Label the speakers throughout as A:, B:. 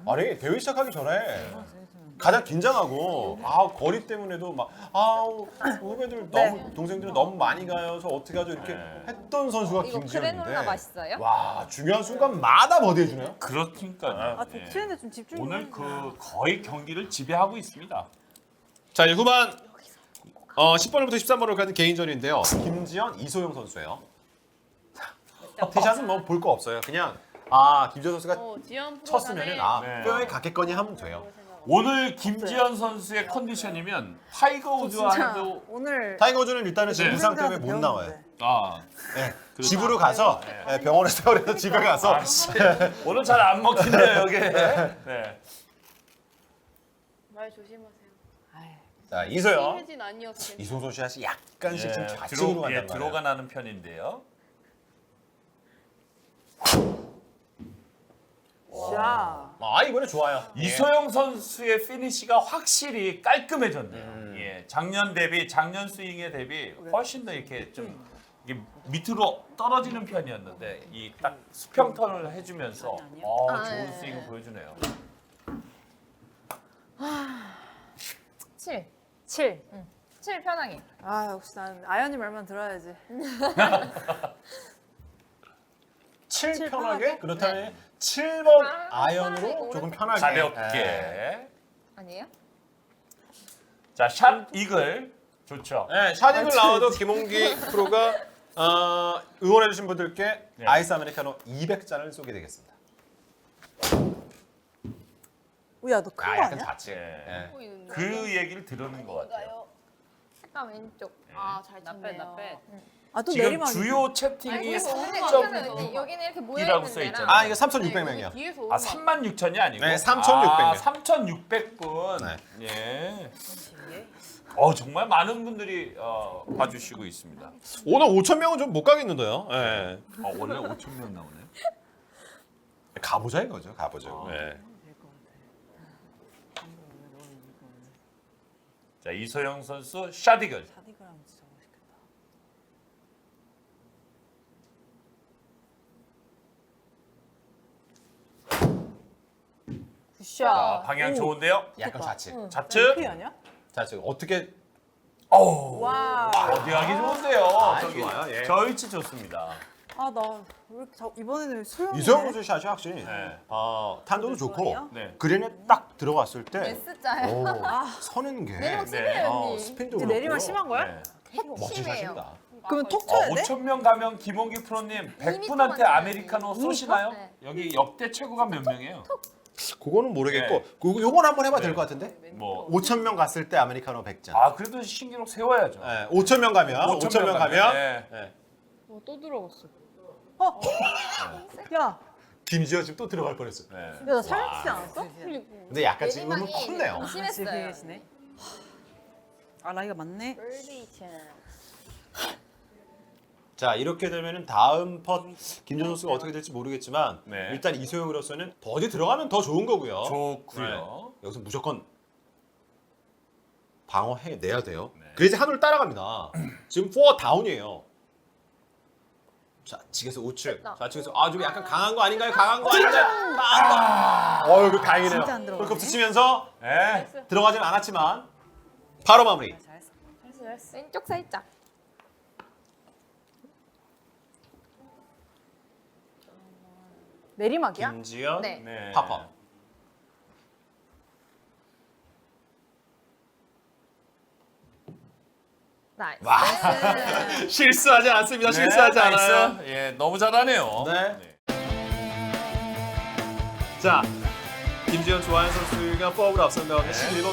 A: 아니 대회 시작하기 전에 가장 긴장하고 거리 때문에도 막 후배들 너무 동생들은 너무 많이 가요. 저 어떻게 하죠? 이렇게 했던 선수가
B: 이거
A: 김지현인데.
B: 그래놀라 맛있어요?
A: 와 중요한 순간마다 버디해 주네요.
C: 그렇니까요.
D: 저 트렌드 좀 집중.
C: 오늘 거의 경기를 지배하고 있습니다.
A: 자 이제 후반 10번부터 13번으로 가는 개인전인데요. 김지현, 이소영 선수예요. 티샷은 뭐 볼 거 없어요. 그냥 김지현 선수가
E: 지연
A: 쳤으면은
C: 네.
A: 뼈에 갔겠거니 하면 돼요.
C: 오늘 김지현 선수의 컨디션이면 타이거 우즈와도
D: 오늘
A: 타이거 우즈는 일단은 지금
C: 네.
A: 부상 때문에 못 나와요. 네. 집으로 가서 병원에 세워서 집에 가서
C: 오늘 잘 안 먹힌대요 여기. 네.
E: 말 조심하세요.
A: 자 이소영.
E: 혜진 아니어서
A: 이소영 샷이 약간씩 좀 좌측으로 간단 말이에요.
C: 들어가 나는 편인데요.
D: 자.
A: 이번에 좋아요.
C: 이소영 선수의 피니시가 확실히 깔끔해졌네요. 예, 작년 스윙에 대비 훨씬 더 이렇게 좀 이게 밑으로 떨어지는 편이었는데 이 딱 수평 턴을 해주면서 좋은 스윙을 보여주네요.
B: 7. 7. 7 편하게.
D: 역시 난 아연이 말만 들어야지.
A: 7 편하게? 그렇다면 7번 아이언으로
B: 편하게,
A: 조금 편하게.
C: 가볍게.
A: 네.
B: 아니에요?
C: 자, 샷 이글 좋죠.
A: 네, 샷익을 나와도 김홍기 프로가 응원해주신 분들께
C: 네.
A: 아이스 아메리카노 200잔을 쏘게 되겠습니다.
D: 우야 너 큰 거
A: 약간
D: 아니야?
A: 좌측.
C: 네.
A: 네.
E: 보이는데.
C: 그 얘기를 들은 것 같아요.
B: 약간 왼쪽.
E: 잘 쳤네요.
D: 또
C: 지금
D: 내리막.
C: 주요 채팅이
B: 근데
C: 3점
B: 여기는 이렇게 모여
C: 이라고
B: 있는
C: 써
B: 데랑
C: 있잖아요.
A: 이거 3,600명이요.
E: 뒤에서
C: 36,000이 아니고
A: 네, 3,600 명.
C: 3,600분.
A: 네.
C: 예. 정말 많은 분들이 봐주시고 있습니다.
A: 오늘 5,000명은 좀 못 가겠는데요. 네.
C: 원래 5,000명 나오네요.
A: 가보자 이거죠. 가보죠. 네.
C: 자, 이소영 선수 샷이글.
D: 사디그랑 진짜 맛있겠다.
C: 자, 방향 좋은데요.
A: 약간 좌측.
C: 좌측.
D: 피 아니야?
A: 좌측. 어떻게
D: 와.
C: 어디하기 좋은데요. 저기
A: 좋아요, 예.
C: 저 위치 좋습니다.
D: 나 왜 이렇게 이번에는 소영이.
A: 이소영 선수 샷이 확실히
C: 네.
A: 탄도도 좋고
D: 좋아요?
C: 네.
A: 그린에 딱 들어갔을 때
B: S자요.
A: 서는 게
B: 내리막
C: 네.
B: 심해요 언니.
A: 스핀도
D: 이제
A: 그렇고요.
D: 내리막 심한 거야?
C: 네.
A: 멋진
B: 심해요.
A: 샷입니다.
D: 그러면 톡 쳐야 돼?
C: 5,000명 가면 김홍기 프로님 100분한테
B: 맞아요.
C: 아메리카노 쏘시나요?
B: 네.
C: 여기 역대 최고가 몇 명이에요?
A: 그거는 모르겠고 요건 한번 해봐도 될 것 같은데?
C: 뭐
A: 5,000명 갔을 때 아메리카노 100잔.
C: 그래도 신기록 세워야죠.
A: 네, 5,000명 가면 5,000명 가면
C: 네.
A: 네.
E: 또 들어갔어.
D: 야,
A: 김지현 지금 또 들어갈 뻔했어.
C: 네.
D: 나 살려주지 않았어?
A: 근데 약간 지금 음은 컸네요.
B: 심했어요.
D: 계시네. 나이가 많네.
A: 자 이렇게 되면은 다음 펫 김지현 선수가 어떻게 될지 모르겠지만
C: 네.
A: 일단 이소영으로서는 버디 들어가면 더 좋은 거고요.
C: 좋고요.
A: 여기서 무조건 방어해내야 돼요.
C: 네.
A: 그래서 한올 따라갑니다. 지금 4 다운이에요. 자, 측에서 우측. 좌측에서 좀 약간 강한 거 아닌가요? 강한 거 아닌가요? 그 다행이네요.
D: 진짜 안 들어가네.
A: 홀컵 스치면서
C: 네.
A: 들어가진 않았지만 바로 마무리.
D: 잘했어.
B: 왼쪽 살짝.
D: 내리막이야?
A: 김지현
B: 네.
C: 네.
A: 파퍼.
B: 나이스.
A: 와. 실수하지 않습니다. 실수하지 않아요.
C: 나이스. 예, 너무 잘하네요.
A: 네. 자, 김지현 조하연 선수가 포업을 앞선 다음에 11번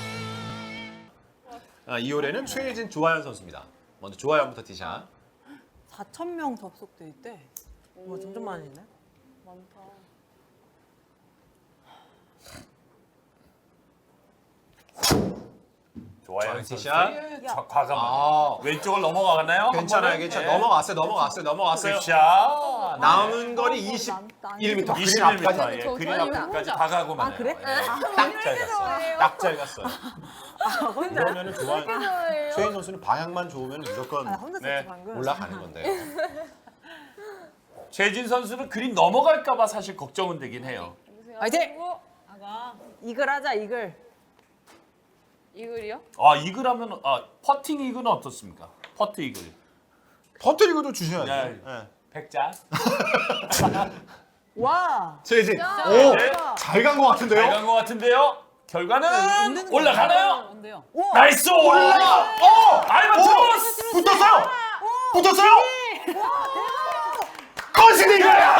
A: 홀에요. 2홀에는 최혜진 조하연 선수입니다. 먼저 조하연부터 티샷.
D: 4,000명 접속돼 있대. 와, 점점 많아지네.
E: 많다.
C: 좋아요.
A: 좋아요,
C: 선수.
A: 티샷.
C: 예, 과감하게. 왼쪽을 넘어가나요?
A: 괜찮아요,
C: 한 번에?
A: 괜찮아요.
C: 네.
A: 넘어갔어요.
C: 굿샷.
A: 남은 거리 21m.
C: 21m. 예,
B: 저
C: 그린
B: 저희
C: 앞까지 다 가고만.
D: 그래?
A: 딱 잘 갔어요. 딱 잘 갔어요.
D: 혼자?
A: 그러면은 조하연, 최혜진 선수는 방향만 좋으면 무조건
D: 혼자
C: 네.
D: 썼지 방금.
A: 올라가는 건데요.
C: 최진 선수는 그린 넘어갈까봐 사실 걱정은 되긴 해요.
D: 화이팅! 이글 하자 이글.
E: 이글이요?
C: 아 이글 하면 퍼팅 이글은 어떻습니까? 퍼트 이글.
A: 퍼뜨리고도 주셔야죠.
C: 네.
A: 네.
C: 100장.
D: 와.
A: 최혜진.
B: 야.
A: 오,
C: 네.
A: 잘 간 것 같은데요?
C: 잘 간 것 같은데요. 결과는
D: 없는 거
C: 올라가나요?
D: 뭔데요?
C: 나이스 올라. 알바트로스.
A: 붙었어요. 붙었어요. 컨시드 이거야.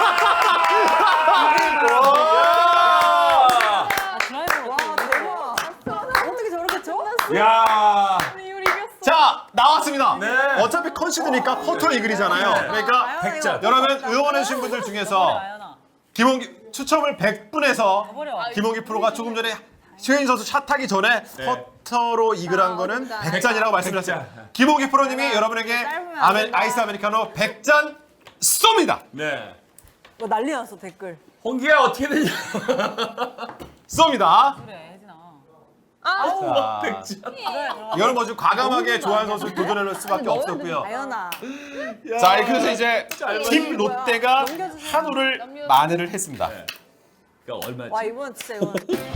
D: 아 드라이버. 와 대박. 어떻게 저렇게 쳐?
C: 야.
E: 이글 이겼어.
A: 자, 나왔습니다.
C: 네.
A: 어차피 컨시드니까 퍼터 이글이잖아요.
C: 네.
A: 그러니까
D: 아연아,
C: 100점.
D: 이거
A: 여러분
D: 버려,
A: 응원해주신 분들 중에서
D: 아연아.
A: 김홍기 추첨을 100분에서
D: 버려.
A: 김홍기 프로가 조금 전에 최인 선수 샷하기 전에 퍼터로 이글한 거는 100잔이라고 말씀드렸어요. 김홍기 프로님이 여러분에게
D: 짧으면 안 된다.
A: 아이스 아메리카노 100잔 쏩니다.
C: 네.
D: 뭐 난리 났어 댓글.
C: 홍기야 어떻게 되냐?
A: 쏩니다.
D: 그래 혜진아.
B: 아,
C: 100점.
D: 그래.
A: 이건 뭐좀 과감하게 좋아하는 선수 도전할 수밖에 없었고요.
D: 아연아.
A: 자, 그래서 이제 팀
D: 뭐야.
A: 롯데가
D: 넘겨주세요.
A: 한우를 만회를 했습니다.
C: 네. 그러니까 얼마지?
D: 와 이번 진짜 이건.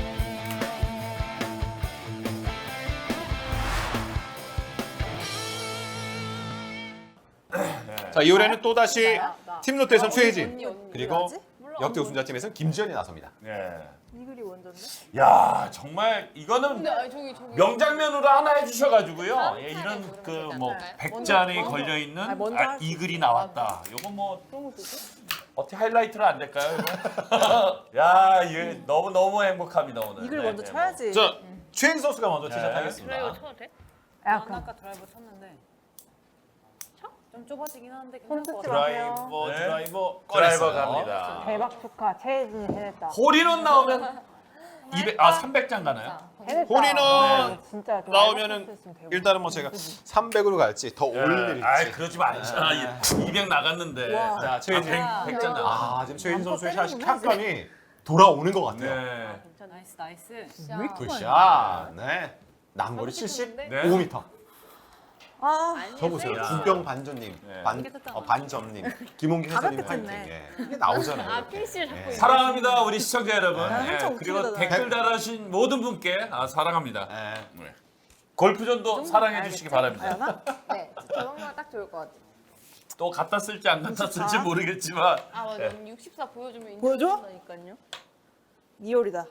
A: 자, 이번에는 또 다시 팀 롯데에선 최혜진
E: 언니.
A: 그리고
D: 뭐지?
A: 역대 우승자팀에서는 김지현이 나섭니다.
C: 네.
D: 이글이 원전데?
C: 야 정말 이거는
E: 근데 아니, 저기
C: 명장면으로 하나 해주셔가지고
B: 다음
C: 예,
B: 차례
C: 이런
B: 모르는
C: 그
B: 거잖아요.
C: 뭐
B: 네.
C: 100잔이
E: 먼저.
C: 걸려 있는
D: 아니, 먼저 할수
C: 이글이 나왔다. 요거 뭐
E: 그런 것도 있어?
C: 어떻게 하이라이트로 안 될까요? 이거? 야 이게 너무 행복합니다 오늘.
D: 이글
C: 네,
D: 먼저
C: 네,
D: 쳐야지.
A: 자, 최인 선수가 먼저
C: 네.
A: 티샷하겠습니다.
E: 드라이버 쳐도 돼?
D: 난 아까 드라이버 쳤는데. 쳐? 좀 좁아지긴 하는데 괜찮을 것 같아.
A: 드라이버,
C: 네.
A: 드라이버,
C: 드라이버
A: 꺼냈어요.
C: 갑니다.
F: 대박 축하 최혜진이 해냈다.
C: 홀인원 나오면 300장 가나요?
F: 해냈다.
A: 홀인원
F: 네, 진짜 좀
A: 나오면은
F: 알바트로스 되고.
A: 일단은 뭐 제가 300으로 갈지 더 올릴지.
C: 아이 그러지 말자. 200 나갔는데.
D: 와.
A: 자, 최혜진.
C: 100장 나왔어.
A: 아, 지금 최혜진 선수의 샷이 샷감이 돌아오는 것 같아요.
C: 네.
D: 나이스 나이스.
A: 굿샷. 네. 난거리 75m.
D: 아.
A: 저 보세요.
C: 야.
A: 주병 반전님,
C: 네.
A: 반점님, 김홍기 해설님
D: 가볍게
A: 파이팅.
D: 쳤네.
A: 예. 이게 나오잖아요.
E: 아,
A: 이렇게.
E: 피니시를 잡고
A: 예.
E: 있네.
C: 사랑합니다 우리 시청자 여러분.
D: 아,
C: 예,
D: 한참
C: 그리고
D: 웃기다,
C: 댓글 달아주신 모든 분께 사랑합니다.
A: 예.
C: 네. 골프전도 사랑해 주시기 바랍니다.
D: 아연아?
B: 네, 저런 거가 딱 좋을 것 같아.
C: 또 갖다 쓸지 안 갖다 쓸지 모르겠지만
E: 아 맞아.
C: 네.
E: 언니 64 보여주면
D: 보여줘?
E: 인정한다니까요.
D: 이효리다.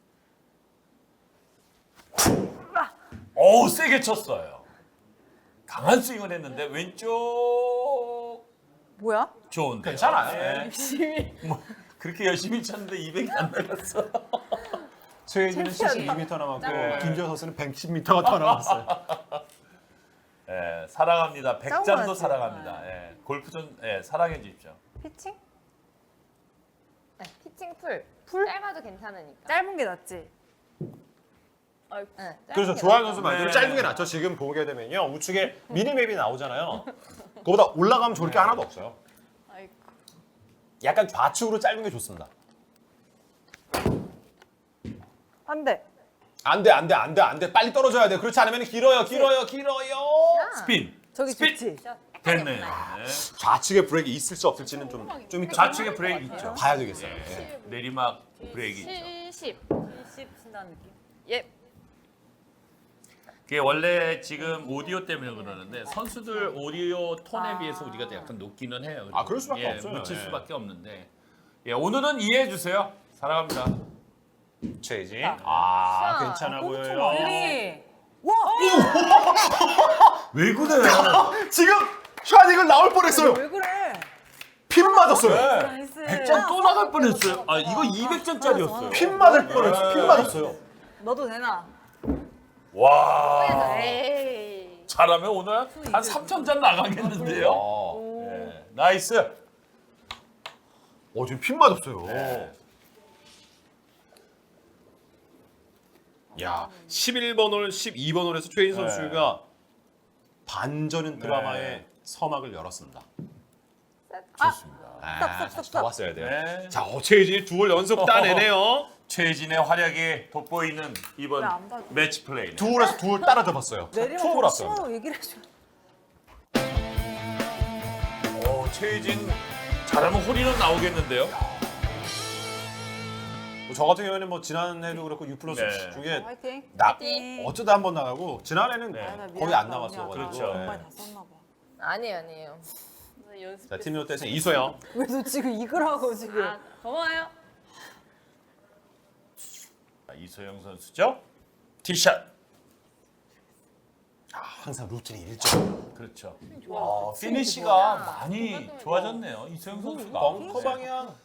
C: 어우 세게 쳤어요. 강한 스윙을 했는데 왼쪽
D: 뭐야?
C: 좋은데.
A: 괜찮아요.
C: 네.
E: 열심히.
C: 뭐 그렇게 열심히 쳤는데 200이 안 나갔어.
A: 최혜진은
D: 챔피언이다.
A: 72m 남았고
C: 네.
A: 김지현 선수는 110m가 더 남았어요.
C: 예, 사랑합니다.
D: 싸운
C: 100장도
D: 거였지.
C: 사랑합니다. 예, 골프전 사랑해 주십시오.
B: 피칭? 네, 피칭 풀. 짧아도 괜찮으니까.
D: 짧은 게 낫지.
B: 네, 짧은
A: 그래서
B: 게
A: 조하영
B: 낫죠.
A: 선수 말대로
C: 네.
A: 짧은 게 낫죠. 지금 보게 되면요. 우측에 미니맵이 나오잖아요. 그거보다 올라가면 좋을 게 하나도 없어요.
E: 아이고.
A: 약간 좌측으로 짧은 게 좋습니다.
D: 안 돼.
A: 안 돼. 빨리 떨어져야 돼. 그렇지 않으면 길어요.
C: 스핀.
D: 저기
C: 스피드.
D: 좋지.
C: 됐네요. 네.
A: 좌측에 브레이크 있을지 없을지는 좀 이따
C: 좌측에 브레이크 있죠.
A: 봐야 되겠어요. 예.
C: 내리막 브레이크 있죠.
E: 70.
D: 70 친다는 느낌.
E: 예.
C: 그게 원래 지금 오디오 때문에 그러는데 선수들 오디오 톤에 비해서 우리가 약간 높기는 해요.
A: 아, 그럴 수밖에 없어요.
C: 묻힐
A: 예.
C: 수밖에 없는데. 예, 오늘은 이해해 주세요. 사랑합니다.
A: 최진.
B: 아,
A: 괜찮아 보여요.
D: 우리. 와.
C: 왜 그래?
A: 지금 샤닝은 나올 뻔했어요.
D: 왜 그래?
A: 핀 맞았어요.
D: 나이스.
C: 100점 또 나갈 뻔했어요. 아, 이거 200점짜리였어요.
A: 핀 맞을 뻔했어요. 핀 맞았어요.
D: 너도 되나?
C: 와.
E: 에이.
C: 잘하면 오늘 한 3,000잔 나가겠는데요.
A: 어.
C: 네. 나이스.
A: 지금 핀 맞았어요.
C: 네.
A: 야, 11번 홀, 12번 홀에서 최인
C: 네.
A: 선수가 반전은 드라마의
C: 네.
A: 서막을 열었습니다.
C: 좋습니다.
A: 다시 더 왔어야 돼요.
C: 네.
A: 자, 최진이 두 홀 연속 따내네요.
C: 최진의 활약이 돋보이는 이번
D: 왜안 봐줘?
C: 매치 플레이.
A: 두 홀에서 두 홀 따라잡았어요. 투홀
D: 내리막
A: 왔어요.
D: 심하다고 얘기를 해줘.
C: 최진 잘하면 홀인원 나오겠는데요.
A: 저 같은 경우에는 뭐 지난해도 그렇고 U 플러스
C: 네.
A: 중에
F: 화이팅.
A: 나
B: 화이팅!
A: 어쩌다 한 번 나가고 지난해는
C: 네.
F: 아, 나
A: 거의 안
F: 미안하다,
A: 나갔어.
F: 언니야.
C: 그렇죠.
F: 정말 다 썼나 봐.
B: 아니에요.
E: 연습.
A: 자, 팀 롯데에서 이소영.
F: 왜 너 지금 이걸 하고 지금?
E: 아, 고마워요.
C: 자, 이소영 선수죠. 티샷.
A: 항상 루틴이 일정.
C: 그렇죠.
E: 좋아.
C: 피니시가
B: 좋아.
C: 많이 좋아졌네요. 이소영 선수가.
A: 벙커 방향.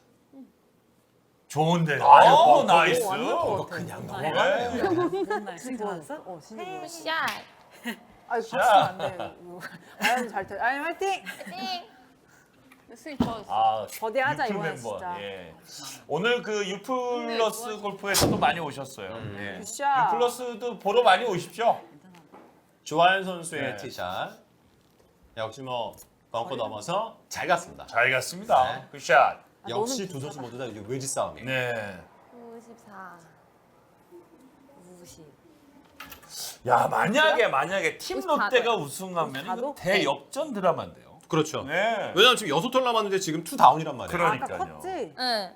C: 좋은데.
A: 아, 이거
C: 아,
A: 벙커.
C: 나이스.
F: 완전
A: 이거
F: 같아.
A: 그냥
C: 네.
A: 넘어가네요.
D: 스윙 좋았어?
F: 어, 진짜 좋아.
B: 샷!
F: 아이
C: 자.
F: 박수 안 돼. 아연 잘 돼. 아연 화이팅.
B: 화이팅!
E: 스윙 좋았어.
C: 아,
F: 거대하자,
C: 유플
F: 이번엔
C: 멤버.
F: 진짜.
C: 예. 오늘 그 유플러스 골프에서도 많이 오셨어요. 예.
F: 굿샷.
C: 유플러스도 보러 많이 오십시오.
A: 조하연 선수의
C: 네.
A: 티샷. 역시 뭐 벙커 넘어서 잘 갔습니다.
C: 잘 갔습니다.
A: 네.
C: 굿샷.
A: 역시
F: 너는
A: 두 선수 모두 다 이제 외지 싸움이에요.
C: 네.
B: 54.
F: 50.
C: 야, 만약에 팀
B: 54
C: 롯데가 우승하면 이거
F: 54도?
C: 대역전 드라마인데요.
A: 그렇죠.
C: 네.
A: 왜냐면 지금 6홀 남았는데 지금 2 다운이란 말이에요.
C: 그럼-
F: 아까
C: 그러니까요.
F: 컸지?
B: 응.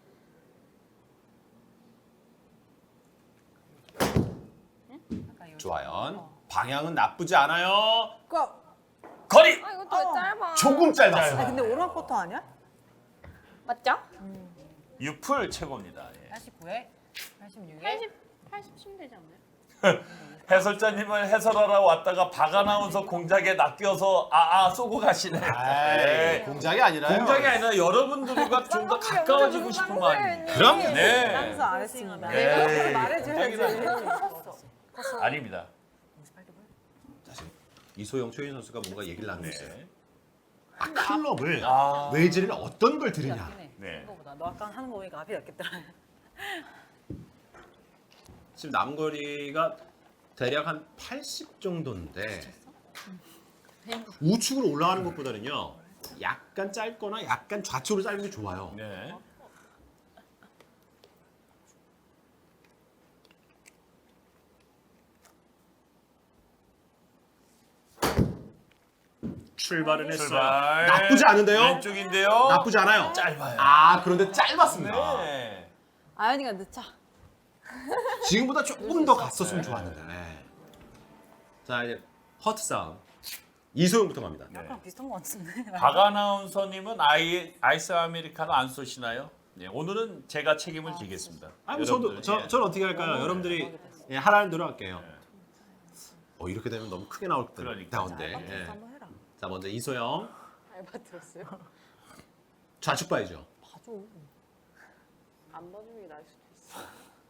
A: 조하연. 방향은 나쁘지 않아요.
F: 고!
C: 거리
B: 아, 이것도 왜 짧아?
A: 조금 짧았어요.
F: 아 근데 오르막 포터 아니야?
B: 맞죠?
C: 유플 최고입니다. 예.
D: 89에 86에
E: 80쯤 되지 않나요?
C: 해설자님을 해설하러 왔다가 박아나운서 공작에 낚여서 쏘고 가시네.
A: 아이,
C: 네.
A: 공작이 아니라요.
C: 공작이 아니라 여러분들과 좀 더 가까워지고 싶은 마음입니다.
A: 그럼요.
C: 네.
F: 항수 안 했습니다.
C: 네.
F: 내가 말해줘야지.
C: 아닙니다.
A: 자, 지금 이소영, 최윤 선수가 뭔가 얘기를 나누고 있어요.
C: 네.
A: 클럽을
C: 아.
A: 외지를 어떤 걸 드리냐.
C: 네.
D: 이거보다 너 아까 하는 거 보니까 앞이 낫겠더라.
A: 지금 남거리가 대략 한 80 정도인데 우측으로 올라가는 것보다는요 약간 짧거나 약간 좌측으로 짧은 게 좋아요.
C: 네.
A: 출발은 했어요.
C: 출발.
A: 나쁘지 않은데요?
C: 왼쪽인데요.
A: 나쁘지 않아요.
C: 짧아요.
A: 아 그런데 짧았습니다.
C: 네.
F: 아연이가 늦자.
A: 지금보다 조금 더 갔었으면 좋았는데. 네. 자 이제 허트 싸움 이소영부터 갑니다.
D: 약간 비슷한 거 같은데.
C: 박아나운서님은 아이스 아메리카노 안 쏘시나요? 네, 오늘은 제가 책임을 지겠습니다.
A: 아니 저도
C: 여러분들, 예.
A: 저는 어떻게 할까요? 여러분들이 예, 하라는 대로 할게요. 이렇게 되면 너무 크게 나올 때
C: 그러니까.
A: 나온데. 예.
F: 한번 해라.
A: 자 먼저 이소영
F: 알바 들었어요.
A: 좌측 봐야죠.
F: 봐줘.
B: 안 봐주는 게 나을 수도 있어.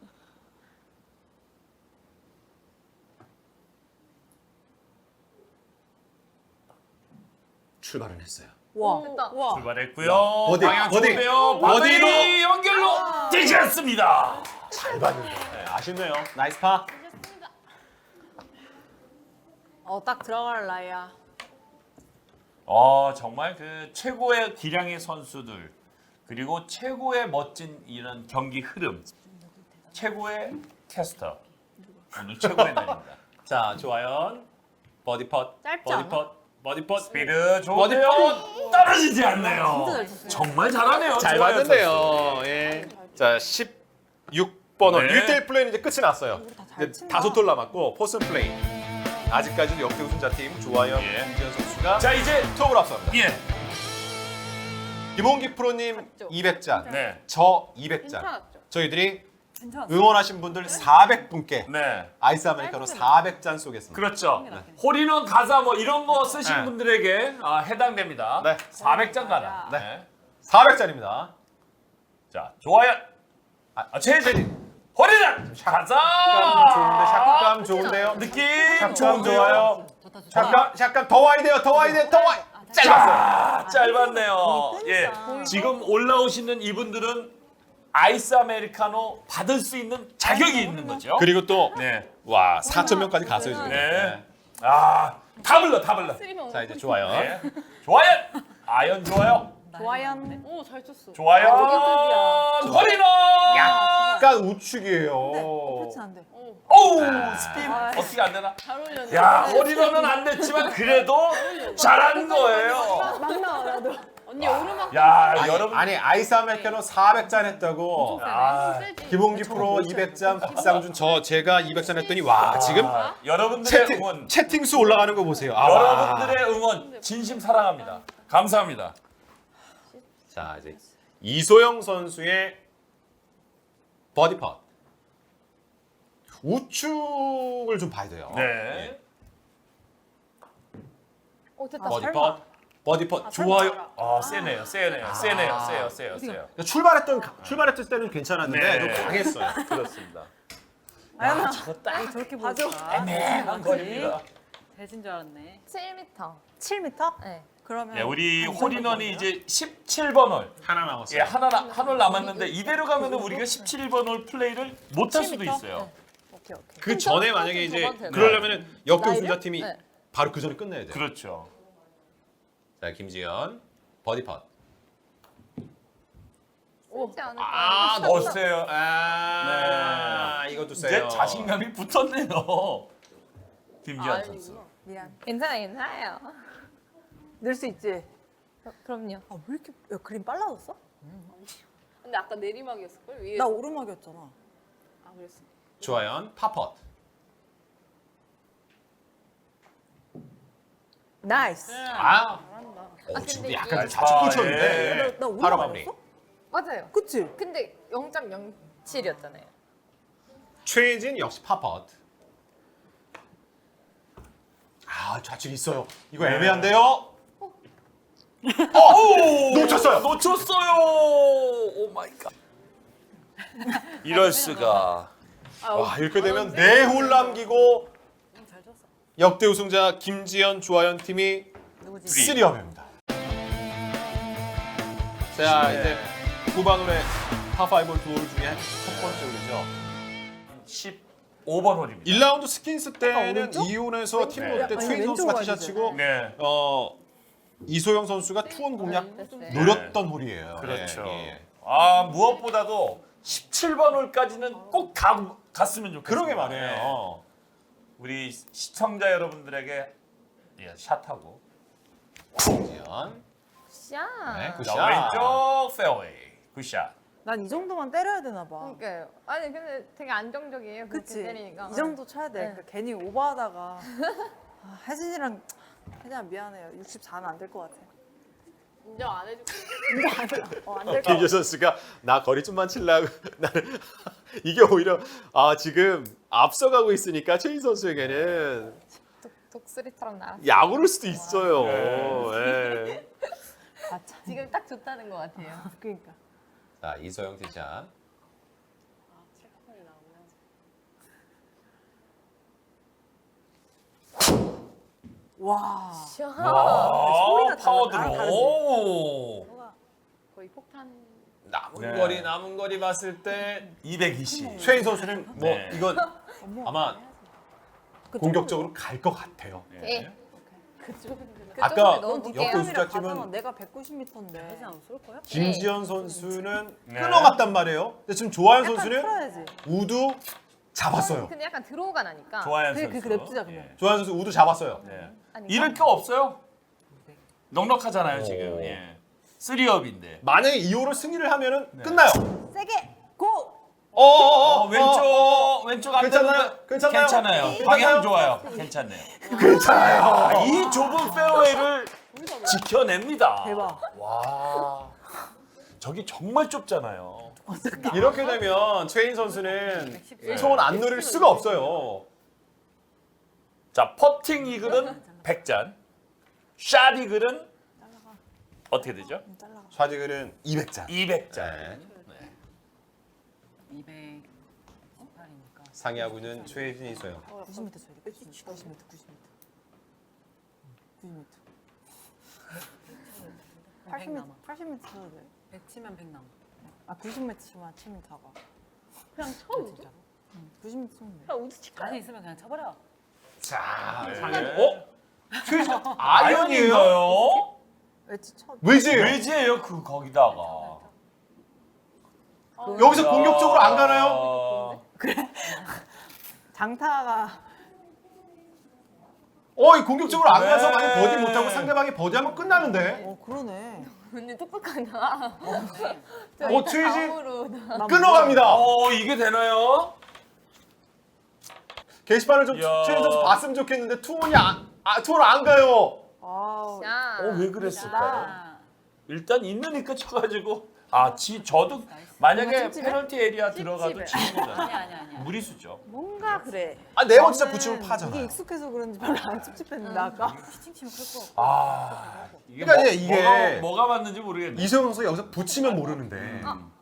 A: 출발은 했어요.
F: 와.
B: 됐다.
F: 와.
C: 출발했고요.
A: 버디,
C: 방향
A: 버디.
C: 좋은데요.
A: 버디로.
C: 버디 연결로 되지 않습니다.
A: 잘 봤는데. 네, 아쉽네요. 나이스 파.
F: 딱 들어갈 나이야.
C: 정말 그 최고의 기량의 선수들 그리고 최고의 멋진 이런 경기 흐름 최고의 캐스터 오늘 최고의 날입니다.
A: 자 조하연 버디 펫.
B: 짧지
A: 버디
B: 않아?
A: 펫. 버디 펫.
C: 스피드 좋은데요. 떨어지지 않네요.
F: 진짜 잘 쳤어요.
C: 정말 잘하네요.
A: 잘
C: 조하연
A: 봤는데요. 예. 자 16번 홀
C: 네.
A: 1대1 플레이는 이제 끝이 났어요.
F: 잘
A: 이제
F: 친다.
A: 5홀 남았고 포슨 플레이. 아직까지도 역대 우승자팀 조하연,
C: 예.
A: 김지현 선수가
C: 자 이제
A: 투업을 앞섭니다.
C: 예.
A: 김홍기 프로님 200잔,
C: 네.
A: 저 200잔.
B: 괜찮았죠?
A: 저희들이
D: 괜찮았어.
A: 응원하신 분들 400분께
C: 네.
A: 아이스 아메리카노 400잔 쏘겠습니다.
C: 그렇죠. 홀인원 가사 뭐 이런 거 쓰신
A: 네.
C: 분들에게 해당됩니다.
A: 네.
C: 400장 가나.
A: 네.
C: 네.
A: 400잔입니다.
C: 자, 좋아요. 최재리. 홀인원 가자.
A: 좋은데 샷감 좋은데요.
C: 느낌
A: 샷감
C: 좋은데요.
A: 좋아요.
D: 좋다 좋다.
A: 샷감 더 와야 돼요. 더 와야 돼요. 더 와. 짧았어요.
C: 짧았네요. 예.
F: 보이죠?
C: 지금 올라오시는 이분들은 아이스 아메리카노 받을 수 있는 자격이 있는 거죠.
A: 그리고 또
C: 네.
A: 와, 4,000명까지 갔어요, 지금.
C: 네. 다 불러.
B: 쓰리면
A: 자, 이제 좋아요.
C: 네. 좋아요. 아연 좋아요.
F: 조하연.
E: 오, 잘 쳤어.
C: 좋아요.
F: 저기
C: 홀인원.
A: 약간 우측이에요.
F: 그렇진 않대.
C: 오우 스핀 어떻게 안 되나?
E: 잘 올렸네.
C: 야 홀인원은 안 됐지만 그래도 잘한 거예요.
F: 막 나와 나도.
E: 언니 오르막
C: 야,
A: 아니,
C: 여러분.
A: 아니 아이스 아메리카노 400잔 했다고.
C: 아,
A: 김홍기 프로 200잔, 박상준 제가 200잔 했더니 와 지금
C: 여러분들의 응원,
A: 채팅 수 올라가는 거 보세요. 아, 와.
C: 여러분들의 응원 진심 사랑합니다. 감사합니다.
A: 자 이제 이소영 선수의 버디 팟. 우측을 좀 봐야 돼요.
C: 네.
A: 예.
B: 됐다.
A: 버디 팟. 버디 팟. 좋아요.
C: 아, 세네요. 세요.
A: 출발했을 때는 괜찮았는데
C: 네.
A: 좀 강했어요.
C: 그렇습니다.
F: 아연아
C: 딱
F: 저렇게 보여줘.
C: 애매한 거리입니다.
D: 돼진 줄 알았네.
B: 7m.
F: 7m?
B: 네.
F: 그러면
C: 네, 우리
F: 한
C: 홀인원이
F: 정도
C: 이제 17번 홀.
A: 하나 남았어요.
C: 예, 한홀 남았는데 이대로 가면은 우리가 17번 홀 플레이를 못 할 수도
F: 7m?
C: 있어요.
F: 오케이 오케이.
A: 그 전에 만약에 이제
B: 저건 되나?
A: 그러려면은 역대
F: 나이를?
A: 우승자팀이
B: 네.
A: 바로 그 전에 끝내야 돼요.
C: 그렇죠.
A: 자 김지현 버디 팟.
B: 쉽지 않을
A: 아
B: 거예요.
A: 넣었어요. 아 이것도
C: 이제
A: 세요.
C: 자신감이 붙었네요. 김지한 선수.
F: 미안.
B: 괜찮아요.
F: 늘 수 있지.
B: 그럼요.
F: 아 왜 이렇게 야, 그림 빨라졌어?
E: 근데 아까 내리막이었을걸? 위에.
F: 나 오르막이었잖아.
E: 아, 그랬어.
A: 조하연 파펫.
F: 나이스.
A: 아.
B: 근데
A: 지금
B: 이게-
A: 약간 좀 좌측 꽂혔는데.
F: 나
A: 바로 마무리.
F: 오르막이었어?
B: 맞아요.
F: 그치?
B: 근데 0.07이었잖아요.
A: 최진 역시 파펫. 아 좌측 있어요. 이거 애매한데요. 놓쳤어요.
C: 놓쳤어요. 오 마이 갓. 이럴 수가.
A: 와 이렇게 되면 4홀 남기고
F: 잘 쳤어.
A: 역대 우승자 김지현 조하연 팀이
F: 누구지?
A: 3업입니다. 자 이제 후반홀의 파5홀 두 홀 중에 첫 번째 홀이죠.
C: 15번 홀입니다.
A: 1라운드 스킨스 때는
F: 오른쪽?
A: 2혼에서 팀 롯데
F: 아니,
A: 최인
F: 왼쪽
A: 선수가
F: 가야
A: 티샷치고
C: 네.
A: 이소영 선수가 투혼 공략
B: 됐어요.
A: 노렸던 홀이에요.
C: 그렇죠.
A: 예, 예.
C: 아 무엇보다도 17번 홀까지는 꼭 갔으면 좋겠어요.
A: 그러게 말이에요.
C: 우리 시청자 여러분들에게 예, 샷하고
A: 김지현.
B: 샷.
A: 네, 굿.
C: 자, 왼쪽 페어웨이 굿샷.
F: 난 이 정도만 때려야 되나 봐.
B: 그러니까요. 아니 근데 되게 안정적이에요. 그렇게
F: 그치?
B: 때리니까.
F: 이 정도 쳐야 돼.
B: 네.
F: 그러니까 괜히 오버하다가 혜진이랑 미안해요. 64는 안 될 것 같아.
E: 인정 안 해줄게.
F: 안될 것 같아.
A: 김지현 선수가 나 거리 좀만 치려고 나는 이게 오히려 지금 앞서가고 있으니까 최인 선수에게는
B: 독수리처럼 날아.
A: 야구를 수도 있어요.
C: 네.
A: 예.
F: 아, 참.
B: 지금 딱 좋다는 것 같아요.
F: 그러니까.
A: 자 이소영 티샷.
F: 와.
B: 샷.
F: 소리가
C: 파워
F: 달라.
C: 드로.
F: 다르지?
C: 오.
E: 거의 폭탄.
A: 남은
C: 네.
A: 거리 봤을 때
C: 220.
A: 최인 선수는 뭐
C: 네.
A: 이건
F: 어머.
A: 아마 공격적으로 갈 것 같아요.
B: 네.
E: 그쪽은
A: 아까
B: 너무
A: 역대
B: 늦게
A: 우승자팀은
F: 내가 190m인데.
D: 혜진 안 쏠 거야?
A: 김지현 선수는
C: 네.
A: 끊어갔단 말이에요. 근데 지금 조하연
F: 약간
A: 선수는
F: 풀어야지.
A: 우드 잡았어요.
B: 근데 약간 들어오가 나니까.
C: 조하연
F: 그래,
C: 선수.
F: 그 냅두자, 그러면.
C: 예.
A: 조하연 선수 우드 잡았어요.
C: 네.
B: 아닌가?
C: 잃을 게 없어요. 넉넉하잖아요
A: 오.
C: 지금. 예. 3업인데.
A: 만약에 2호를 승리를 하면은
C: 네.
A: 끝나요.
F: 세게 고!
C: 왼쪽 안
A: 괜찮나요?
C: 되는데
A: 괜찮나요?
C: 괜찮아요.
A: 괜찮나요?
C: 방향 좋아요. 괜찮네요.
A: 괜찮아요.
C: 아, 이 좁은 페어웨이를 지켜냅니다.
F: 대박.
C: 와. 저기 정말 좁잖아요.
A: 이렇게 되면 최인 선수는 소원 안 누릴 수가 없어요.
C: 자, 퍼팅 이글은 100잔. 샷 이글은 어떻게 되죠?
F: 잘라가.
A: 좌지글은 200잔.
C: 200잔.
A: 네.
D: 218이니까.
A: 상위하고는 최진 이소영.
F: 90m 쳐야 돼. 90m.
D: 100 남아.
F: 80m 쳐야 돼.
D: 100 치면 100 남아.
F: 아 90m만 치면 다 가.
B: 그냥 처음
D: 진짜.
F: 90m 치면 돼.
B: 그냥 우드 칠까?
D: 자신 있으면 그냥 쳐버려.
A: 자,
C: 네.
A: 상위. 최진 아이언이에요?
C: 아이언인가요?
F: 웨지 쳐.
A: 왜지?
C: 왜지예요? 그 거기다가.
A: 여기서 공격적으로 안 가나요?
C: 아,
F: 장타가
A: 이 공격적으로 안 가서 만약 버디 못하고 상대방이 버디하면 끝나는데.
F: 그러네.
B: 언니 똑똑하다.
A: 트위지
B: 다음으로
A: 끊어갑니다.
C: 이게 되나요?
A: 게시판을 좀
C: 야.
A: 최현 선수 봤으면 좋겠는데 투혼이 투혼 안 가요.
F: 아,
B: 자.
C: 왜 그랬을까요?
D: 아,
C: 일단 있으니까 쳐가지고 저도 만약에 페널티 에리아 들어가도 지는 거잖아요.
D: 아니야.
C: 무리수죠.
F: 뭔가 그래.
A: 네번 진짜
F: 저는
A: 붙이면 파잖아.
F: 이게 익숙해서 그런지 별로 안 찝찝했는데 아까.
D: 피칭 치면 클 거.
C: 이게
A: 그러니까 이게
C: 뭐가 맞는지 모르겠네.
A: 이소영 선수 여기서 붙이면 모르는데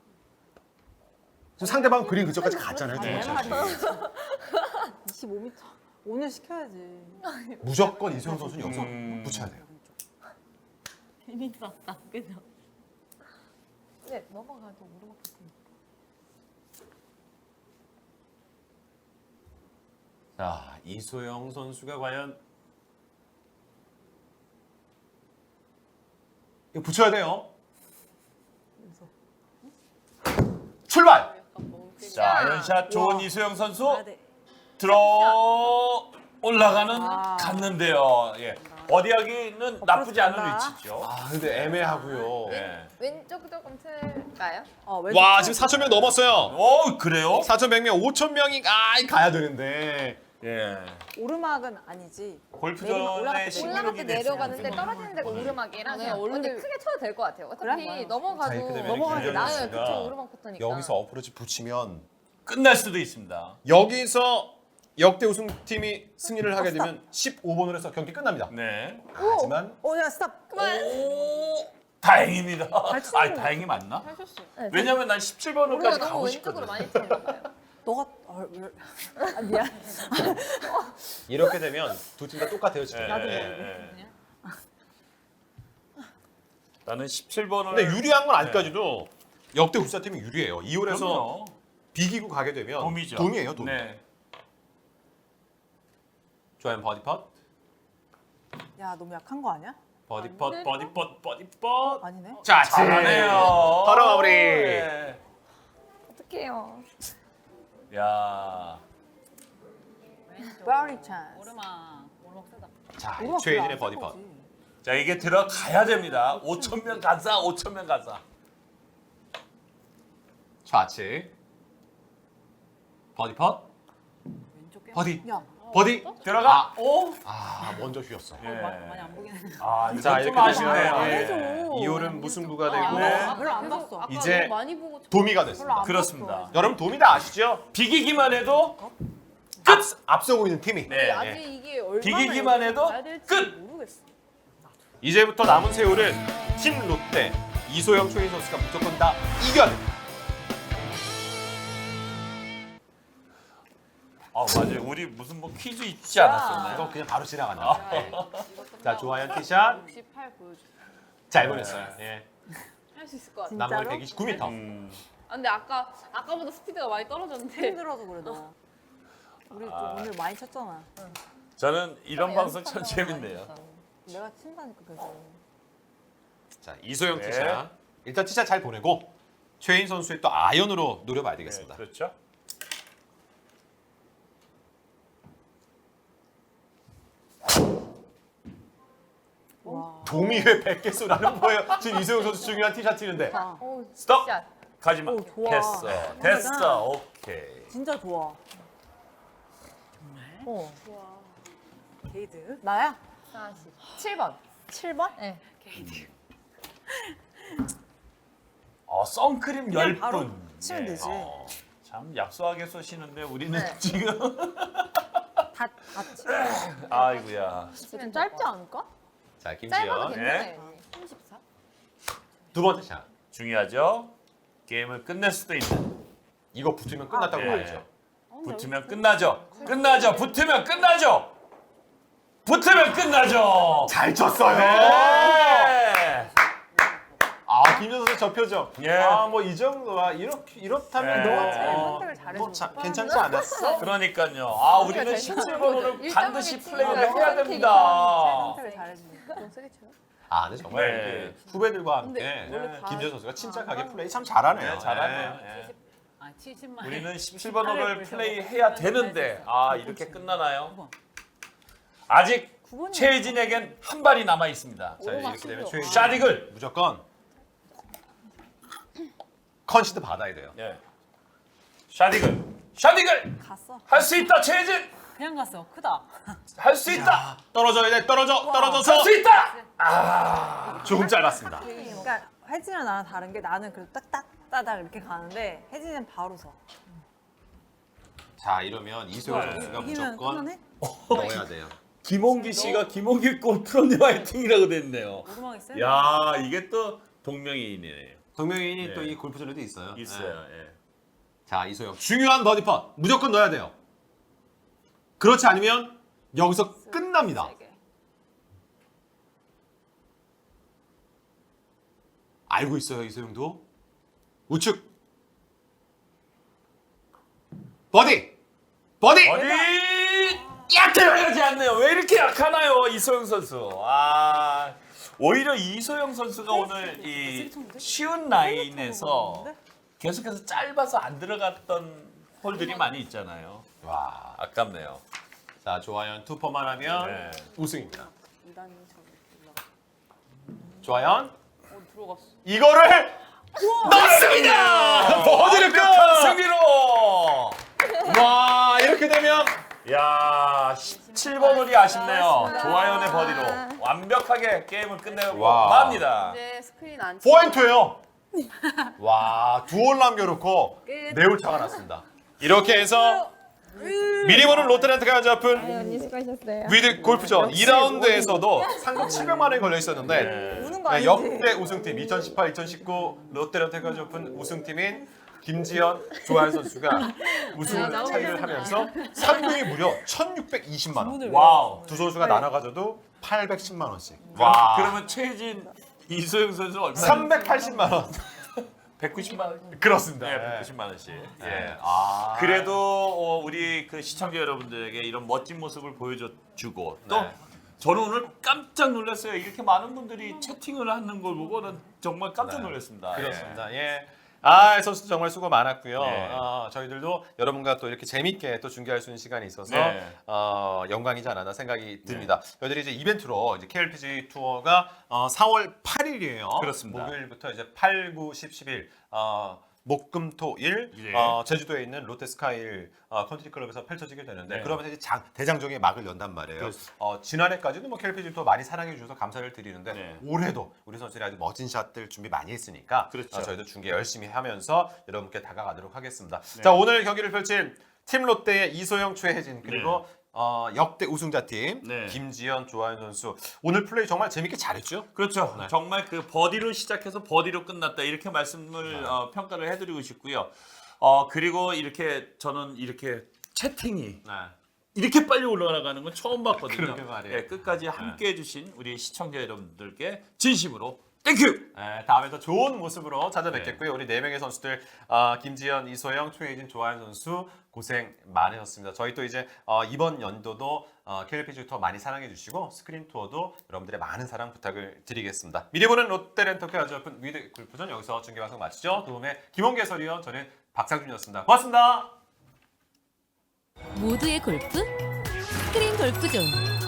A: 지금 상대방 그린 그쪽까지 갔잖아요.
F: 내
A: 지금.
F: 말이. 25m. 오늘 시켜야지.
A: 무조건 이소영 선수는 여기서 붙여야 돼요.
B: 재밌었다. 그죠? 네, 넘어가도 오르막 같은.
A: 자, 이소영 선수가 과연 이거 붙여야 돼요. 출발.
E: 약간 멍때리.
C: 자, 아이언샷 좋은 이소영 선수
D: 아, 네.
C: 들어 올라가는
F: 아.
C: 갔는데요. 예. 버디하기는 나쁘지 않은
F: 간다.
C: 위치죠.
A: 근데 애매하고요.
C: 예.
B: 왼쪽 조금 틀까요?
A: 와, 지금 4,000명 넘었어요.
C: 그래요?
A: 4,100명, 5,000명이 가야 되는데.
C: 예.
F: 오르막은 아니지. 내리막
C: 골프전에
F: 올라갈 때
C: 신기록이
B: 올라갈 때 내려가는데
C: 됐어요.
B: 떨어지는 데가 오르막이라
E: 네,
B: 그냥
E: 원래-
B: 언니 크게 쳐도 될 것 같아요. 어차피
F: 그래?
B: 넘어가도
A: 자, 이렇게 되면
B: 넘어가도
A: 김재현
B: 나요.
A: 씨가
B: 그쵸 오르막 코트니까.
A: 여기서 어프로치 붙이면
C: 끝날 수도 있습니다.
A: 여기서 역대 우승팀이 승리를 하게 되면 15번으로 해서 경기 끝납니다.
C: 네.
A: 하지만
F: 야 스탑.
C: 오, 다행입니다.
F: 치는 거.
C: 다행히 맞나?
E: 하셨어요.
B: 네,
C: 왜냐면 난
B: 우리가
C: 17번으로까지
B: 너무
C: 가고
B: 왼쪽으로
C: 싶거든.
B: 많이 치는가 봐요.
F: 너가 미안.
A: 이렇게 되면 두 팀 다 똑같아요 지금.
C: 나도 나는 17번을
A: 근데 유리한 건 아직까지도 역대 우승팀이 유리해요. 2홀에서
C: 그럼요.
A: 비기고 가게 되면
C: 돔이죠.
A: 돔이에요, 돔.
C: 네.
A: 조한 버디 펫,
F: 야 너무 약한 거 아니야?
A: 버디 펫, 버디 펫, 버디 펫.
F: 아니네.
A: 자,
C: 잘하네요.
A: 바로 마무리.
C: 네.
B: 어떡해요.
C: 야.
F: 브라우니 찬스.
D: 오르막 세다.
A: 자,
F: 오르막
A: 최혜진의
F: 별로 안
A: 버디 펫.
F: 친 거지.
C: 자, 이게 들어가야 됩니다. 5,000명 가자. 5,000명 가자.
A: 좌측. 버디 펫,
D: 왼쪽 꽤
A: 버디,
F: 야
A: 버디.
C: 들어가. 오.
A: 먼저 휘었어.
C: 예.
D: 많이 안 보긴 했는데.
C: 이거
A: 자,
C: 좀
A: 이렇게
C: 아쉽네요.
A: 되시면
F: 안
C: 예.
F: 해줘.
A: 2홀은 무승부가 되고
C: 네.
F: 별로 안
E: 계속
F: 봤어.
E: 아까
A: 이제
E: 너무 많이 보고
A: 도미가
F: 별로
A: 됐습니다.
F: 안
C: 그렇습니다.
F: 봤어.
A: 여러분 도미 다 아시죠?
C: 비기기만 해도
A: 앞서고 있는 팀이.
C: 네.
E: 아직 이게 얼마나
C: 비기기만 해도
E: 가야 될지
C: 끝!
E: 모르겠어.
A: 이제부터 남은 세월은 팀 롯데 이소영 최인 선수가 무조건 다 이겨야 됩니다.
C: 맞아요. 우리 무슨 뭐 퀴즈 있지 않았었나요?
A: 이거 그냥 바로 지나간다. 네. 자, 조하연 티샷
E: 68 보여줘.
A: 잘 보냈어요. 예.
E: 할 수 있을 것 같아.
F: 진짜로?
A: 남은 129m.
E: 아, 근데 아까보다 스피드가 많이 떨어졌는데.
F: 힘들어서 그래 너. 우리 좀 오늘 많이 쳤잖아.
C: 저는 이런 방송 참
B: 연습한다고
C: 재밌네요.
B: 많이 했어.
F: 내가 친다니까 계속.
A: 자, 이소영
C: 네.
A: 티샷. 일단 티샷 잘 보내고 최인 선수의 또 아이언으로 노려봐야
C: 네,
A: 되겠습니다.
C: 그렇죠.
F: 와.
A: 도미 왜 100개수라는 거예요? 지금 이소영 선수 중요한 티샷 치는데.
F: 아,
B: 오,
C: 스톱.
B: 샷.
C: 가지마.
F: 오, 좋아.
C: 됐어. 오케이.
F: 진짜 좋아.
B: 오,
F: 게이드. 나야?
B: 47번.
F: 7번?
B: 네.
C: 선크림
F: 그냥 바로
C: 10분.
F: 치면 되지.
C: 참 약소하게 쏘시는데 우리는
B: 네.
C: 지금
F: 다 치.
C: 아이고야.
B: 치면
F: 짧지 않을까?
A: 자,
B: 짧아도
A: 김지현.
B: 괜찮아요. 34?
A: 두 번째 샷.
C: 중요하죠. 게임을 끝낼 수도 있는.
A: 이거 붙으면 끝났다고
C: 네.
A: 봐야죠.
C: 붙으면 끝나죠. 붙으면 끝나죠. 붙으면 끝나죠.
A: 잘 쳤어요.
C: 네.
A: 김지현 선수 저 표정.
C: 예.
A: 뭐 이 정도야. 이렇다면
C: 네.
A: 너
F: 선택을 잘해줘.
A: 뭐 참 괜찮지 않았어?
C: 그러니까요. 우리는
B: 잘
C: 17번으로
B: 일점을
C: 반드시
B: 치니까
C: 플레이를 해야
B: 선택이
C: 됩니다.
F: 선택을 잘해주네.
E: 너무 세게 쳐요?
A: 근데 정말
C: 네.
A: 이렇게 후배들과 함께
E: 근데 원래 다-
A: 김지현 선수가 침착하게 플레이 참 잘하네요.
C: 네, 잘하네요.
A: 네.
C: 예.
D: 70만.
C: 우리는 17번호를 플레이해야 되는데 이렇게 끝나나요? 아직
F: 9번이
C: 최혜진에겐 한 발이 남아 있습니다.
A: 자 이렇게 되면 최혜진
C: 샤딕을
A: 무조건 컨시드 받아야 돼요.
C: 예. 샤딕을
F: 갔어.
C: 할 수 있다 최혜진
D: 그냥 갔어. 크다.
C: 할 수 있다
A: 떨어져야 돼. 떨어져서
C: 할 수 있다.
A: 조금 짧았습니다.
F: 그러니까 혜진이랑 나랑 다른 게 나는 그래도 딱딱따닥 이렇게 가는데 혜진이는 바로 서.
A: 자 이러면 이소영 선수가
F: 이기면
A: 무조건
F: 끝나네?
A: 넣어야 돼요.
C: 김홍기 씨가 김홍기 골프로님 화이팅이라고 됐네요.
D: 오르막이 세.
C: 야 이게 또 동명이인이네요.
A: 동명이인이
C: 네.
A: 또 이 골프전에도 있어요.
C: 있어요.
A: 네.
C: 예.
A: 자 이소영 중요한 버디 펫 무조건 넣어야 돼요. 그렇지 않으면 여기서 끝납니다. 알고 있어요 이소영도. 우측 버디
C: 어디 약하지 않네요. 왜 이렇게 약하나요 이소영 선수? 아 오히려 이소영 선수가 오늘 이 쉬운 라인에서 계속해서 짧아서 안 들어갔던 홀들이 많이 있잖아요.
A: 와.
C: 아깝네요.
A: 자 조하연 투퍼만 하면
C: 네.
A: 우승입니다.
D: 2단이 저기
A: 조하연
D: 들어갔어.
A: 이거를 넣습니다. 버디를 끝.
C: 완벽한 승리로.
A: 와 이렇게 되면
C: 야 17번 홀이 아쉽네요. 조하연의 버디로 완벽하게 게임을 끝내고
A: 와.
E: 아,
C: 맙니다.
E: 이제 스크린 안
A: 포인트예요. 와, 두 홀 남겨놓고 네 홀 차가 났습니다. 이렇게 해서 미리 보는 롯데렌트가 잡은
B: 언니 수고하셨어요.
A: 위드 골프전 2라운드에서도 상금 700만 원이 걸려 있었는데
F: 우는 거
A: 네,
F: 아니지?
A: 역대 우승팀 2018, 2019 롯데렌트가 잡은 우승팀인 김지현, 조하연 선수가 우승을 차지를 하면서 상금이 무려 1,620만 원.
C: 와우.
A: 두 선수가 나눠 가져도 810만 원씩.
C: 와. 그러면 최혜진 이소영 선수 얼마?
A: 380만 원.
C: 190만 원.
A: 그렇습니다.
C: 네, 190만 원씩. 예.
A: 네. 아.
C: 그래도 우리 그 시청자 여러분들에게 이런 멋진 모습을 보여주고 또
A: 네.
C: 저는 오늘 깜짝 놀랐어요. 이렇게 많은 분들이 채팅을 하는 걸 보고는 정말 깜짝 놀랐습니다.
A: 그렇습니다. 예. 아, 선수 정말 수고 많았고요.
C: 네.
A: 저희들도 여러분과 또 이렇게 재밌게 또 중계할 수 있는 시간이 있어서
C: 네.
A: 영광이지 않았나 생각이 듭니다. 저희들이 이제 이벤트로 이제 KLPG 투어가 4월 8일이에요.
C: 그렇습니다.
A: 목요일부터 이제 8, 9, 10, 11 목금토일
C: 예.
A: 제주도에 있는 롯데스카일 컨트리클럽에서 펼쳐지게 되는데
C: 네.
A: 그러면서 이제 대장정의 막을 연단 말이에요.
C: 그렇습니다.
A: 지난해까지도 뭐 KLPG 투어 많이 사랑해 주셔서 감사를 드리는데
C: 네.
A: 올해도 우리 선수들이 아주 멋진 샷들 준비 많이 했으니까
C: 그렇죠.
A: 저희도 중계 열심히 하면서 여러분께 다가가도록 하겠습니다.
C: 네.
A: 자 오늘 경기를 펼칠 팀 롯데의 이소영, 최혜진 그리고 역대 우승자 팀
C: 네.
A: 김지현, 조하연 선수 오늘 플레이 정말 재밌게 잘했죠?
C: 그렇죠.
A: 네.
C: 정말 그 버디로 시작해서 버디로 끝났다 이렇게 말씀을 평가를 해드리고 싶고요. 그리고 이렇게 저는 이렇게 채팅이
A: 네.
C: 이렇게 빨리 올라가는 건 처음 봤거든요.
A: 그러게 말이에요.
C: 예, 끝까지 함께 해주신 우리 시청자 여러분들께 진심으로 땡큐!
A: 네, 다음에 더 좋은 모습으로 찾아뵙겠고요. 우리 네 명의 선수들 김지현, 이소영, 최혜진, 조하연 선수 고생 많으셨습니다. 저희 또 이제 이번 연도도 KLPG 투어 많이 사랑해 주시고 스크린 투어도 여러분들의 많은 사랑 부탁을 드리겠습니다. 미리 보는 롯데렌터카 아주아픈 위드 골프전 여기서 중계 방송 마치죠. 도움의 김홍기 해설위원 저는 박상준이었습니다. 고맙습니다.
G: 모두의 골프 스크린 골프존